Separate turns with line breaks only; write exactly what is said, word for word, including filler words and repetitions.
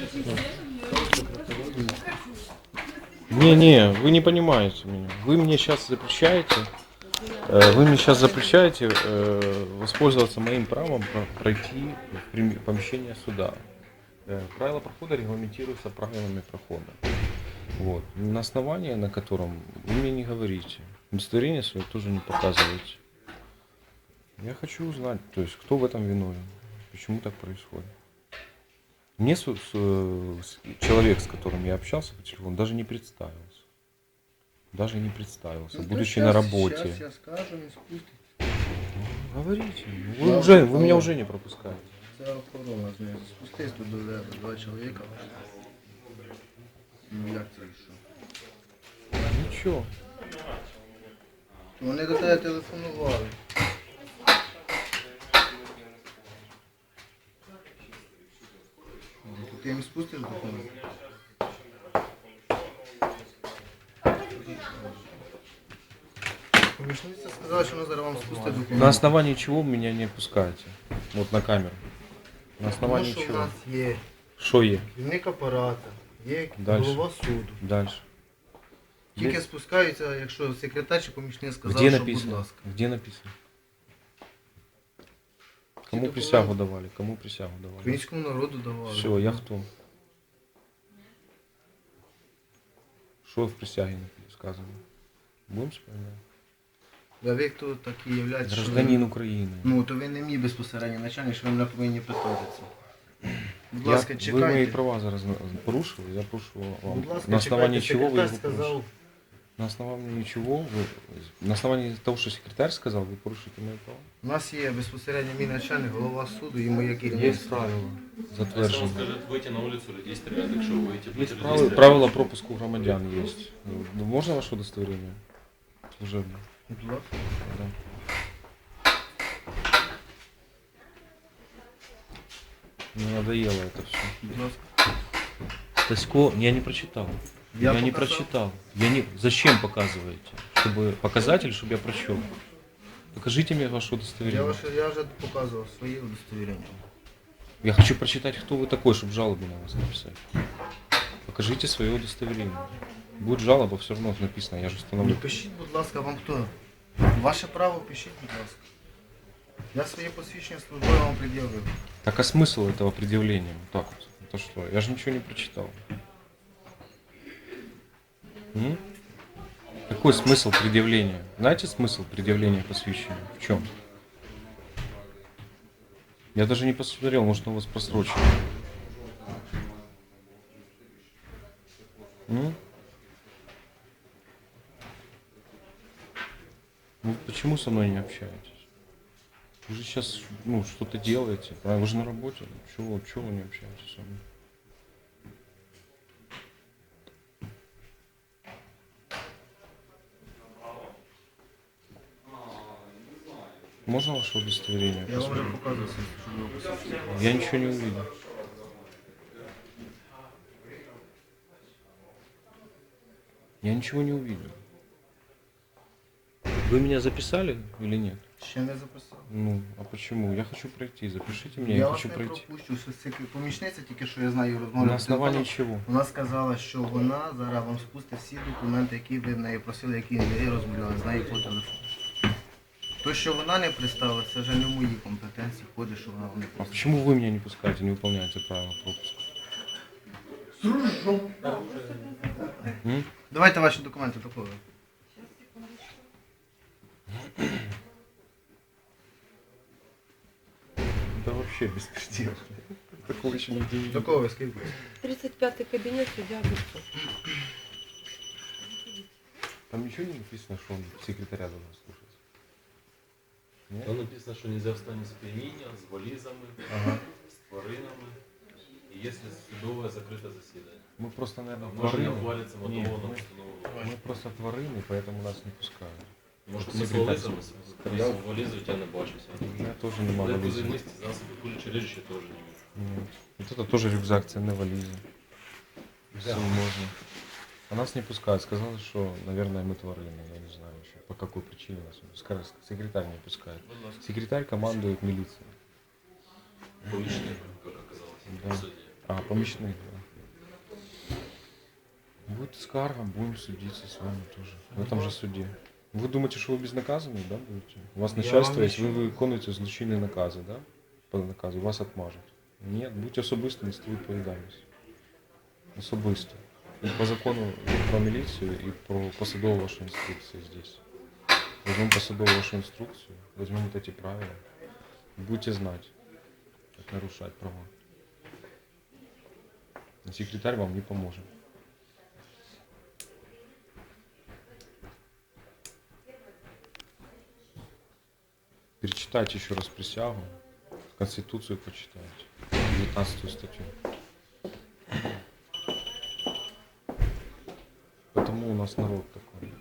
Не-не, вы не понимаете меня. Вы мне сейчас запрещаете, э, вы мне сейчас запрещаете э, воспользоваться моим правом про- пройти в прим- помещение суда. Э, правила прохода регламентируются правилами прохода. Вот. На основании, на котором вы мне не говорите. Удостоверение свое тоже не показываете. Я хочу узнать, то есть, кто в этом виновен, почему так происходит. Мне с- с- с- человек, с которым я общался по телефону, даже не представился. Даже не представился,
Ну, то
будучи
щас-
на работе.
Сейчас я скажу, не спустить.
Говорите. Вы,
Ладно,
уже, вы меня
ладно.
уже не пропускаете.
Це охорона з нею. Спустись тут до тебе, два чоловіка. Ну як це і що?
Ничего.
Вони до тебе телефонували. Ти їм спустиш документи? Помічниця сказала, що вона зараз вам спустить документи.
На основании чего вы меня не пускаете? Вот на камеру. На
Тому
основании
що в
чего?
нас є
Что е?
керівник апарата, є
Дальше.
голова суду.
Дальше.
Тільки спускаються, якщо секретар чи помічник сказав,
Где
що
написано?
будь ласка.
Где написано? Кому
документы.
присягу давали? Кому присягу давали?
Українському народу давали.
Все, я кто? Что в присяге сказано? Будем вспоминать?
А ви хто такі являєтесь? що ви-
Гражданин Украины.
Ну, то ви не мій безпосередньо начальник, що ви мене повинні питати це. Будь
Я-
ласка,
вы мои
чекайте.
права зараз на- порушили, я прошу вам.
Будь ласка,
на основании
чекайте,
чего вы
секретар
его
сказав.
порушили? На основании чего вы, на основании того, что секретарь сказал, вы порушите мои права?
У нас є безпосередньо мій начальник, голова суду і моє керівництво.
правила
Если он
затверджені.
скажет выйти на улицу, людей стрелять, якщо ви вийти,
Есть
будете людей
правила,
стрелять.
правила пропуску громадян есть. Ну, можно ваше удостоверение? Служебное.
Будь ласка.
Да. Мне надоело это все.
Будь ласка.
Тасько, я не прочитал.
Я
Я, не
показал.
прочитал. Я не. Зачем показываете? Чтобы показать или чтобы я прочел? Покажите мне ваше
Я,
удостоверение.
ваше, я вже показував свої удостоверення.
Я хочу прочитать, кто вы такой, чтобы жалобу на вас написать. Покажите свое удостоверение. Будет жалоба, все равно написано, я же
Ну,
установлю.
пишіть, будь ласка, вам хто? Ваше право, пишіть, будь ласка. Я своє посвідчення службове вам пред'явив.
Так а смысл этого предъявления? Вот так вот. Это что? Я же ничего не прочитал. М? Какой смысл предъявления? Знаете смысл предъявления посвящения? В чем? Я даже не посмотрел, может он у вас просрочен. М? Ну, почему со мной не общаетесь? Вы же сейчас ну, что-то делаете, правильно? Вы же на работе. Чего, чего вы не общаетесь со мной? Можно ваше удостоверение?
Я вам вже
посмотреть?
показував своє службове посвідчення.
Я ничего не увидел. Я ничего не увидел. Вы меня записали или нет?
Ще не записав.
Ну, а почему? Я хочу пройти. Запишите меня,
Я,
я
вас
хочу
не
пройти.
пропущу. Що це помічниця, тільки що я знаю розмову.
На основании чего?
Вона сказала, що вона зараз вам спустить всі документи, які ви в неї просили, які ви розмовляли з нею по телефону. То, що вона не представила, це вже не в моїй компетенції входить, що вона вам не
А
представила.
почему вы меня не пускаете, не выполняете правила пропуска? М?
Давайте ваші документи такого.
Да вообще беспредел. Такого еще нигде не видел.
Такого скільки?
тридцать пятый кабинет, судья Гудков.
Там ничего не написано, что он секретаря должен слушать. Нет?
Там написано, що нельзя в стані сп'яніння, з валізами,
Ага.
з тваринами, і якщо судове закрите засідання.
Мы просто, наверное,
Може не
тварины.
ухвалиться
Нет,
мотивована
мы,
постанова.
мы просто тварины, поэтому нас не пускают.
Може ми з
секретар
валізами,
сказав.
з валізою я не бачуся.
Я тоже не могу
Але
вализы.
позивnisті засоби кулючі речі теж не можу.
Нет. Вот это тоже рюкзак, ценные вализы. Все можно. А нас не пускают. Сказали, что, наверное, мы тварины. Я не знаю еще, по какой причине нас не пускают. Секретарь не пускает.
Будь ласка,
Секретарь командует милицией.
помічник, як оказалось,
Да.
в суді.
А, помощник, да. Будет скарга, будем судиться с вами тоже. В этом же суде. Вы думаете, что вы безнаказанный, да, будете? У вас
Я
начальство
вам
есть, вы
нічого.
виконуєте злочинні накази, да? По наказу, вас отмажуть. Ні, будьте особисто нести відповідальність. Особисто. И по закону про милицию, и про посадовую вашу инструкцию здесь. Возьмем посадовую вашу инструкцию, возьмем вот эти правила. Будете знать, как нарушать права. И секретарь вам не поможет. Перечитайте еще раз присягу, Конституцию почитайте, девятнадцатую статью. Потому у нас народ такой.